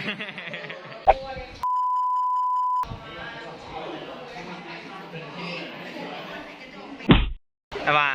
แต่ว่า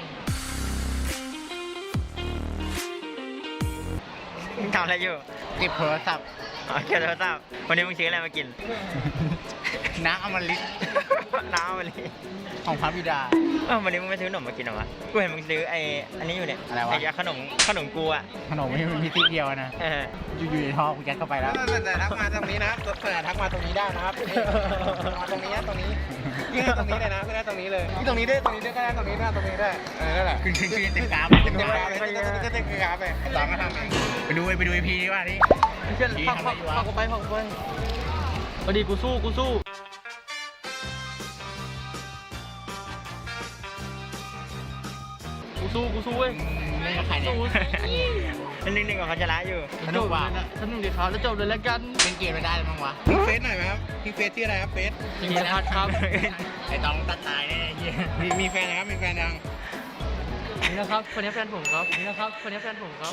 มึงทำอะไรอยู่เก็บโทรศัพท์อ๋อเก็บโทรศัพท์วันนี้มึงซื้ออะไรมากินน้ำอมฤตน้ำวันนี้ของพระบิดาวันนี้มึงไม่ซื้อขนมมากินหรอวะกูเห็นมึงซื้ออันนี้อยู่เนี่ยอะไรวะไอ้ขนมกูอ่ะขนมไม่มีที่เดียวนะ อยู่ในท้องกูยัดเข้าไปแล้วแต่ทักมาตรงนี้นะแต่ทักมาตรงนี้ได้นะครับมาตรงนี้ตรงนี้ยื่นตรงนี้เลยนะไม่ได้ตรงนี้เลยตรงนี้ได้ก็ได้ตรงนี้ได้ตรงนี้ได้นั่นแหละคือเต็มกราฟเต็มกราฟเลยเต็มกราฟเลยตามมาทำเองไปดูไอพีนี่ว่านี่เชื่อพักกูไปพอดีกูสู้กูสู้เว้ยนี่กับใครเนี่ยนิ่งๆกับเขาจะละอยู่สนุกว่ะสนุกดีครับแล้วจบเลยแล้วกันเป็นเกมไม่ได้มั้งวะเฟซหน่อยไหมครับพี่เฟซชื่ออะไรครับเฟซจริงๆครับไอต้องตัดตายแน่มีแฟนนะครับมีแฟนยังนี่นะครับคนนี้แฟนผมครับนี่นะครับคนนี้แฟนผมครับ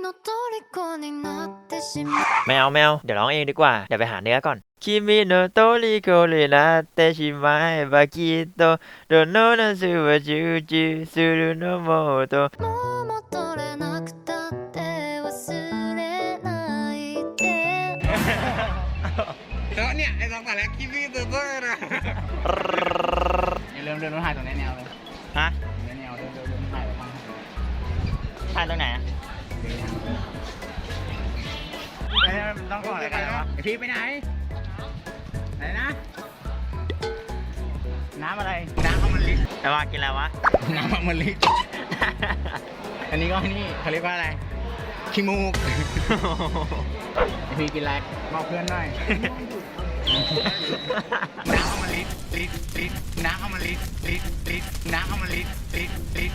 ไม่เอาเดี๋ยวร้องเองดีกว่าเดี๋ยวไปหาเนื้อก่อนคิมิโนโตริโกเรนาเตชิมายบากิโตโดโนนาซูวะจูจูซูรุโนโมโตแล้วเนี่ยไอ้สองแต่แรกคิมิโนโตรินะอย่าเริ่มเดินรถถ่ายตรงแนวเลยฮะแนวเดินถ่ายไปบ้างถ่ายตรงไหนอะต้องก่อนอะไรกันวะพี่ไปไหนนะน้ำอะไรน้ำอมฤตแต่ว่ากินอะไรวะน้ำอมฤตอันนี้ก็นี่เขาเรียกว่าอะไรขี้มูกพี่กินอะไรบอกเพื่อนหน่อยน้ำอมฤตน้ำอมฤต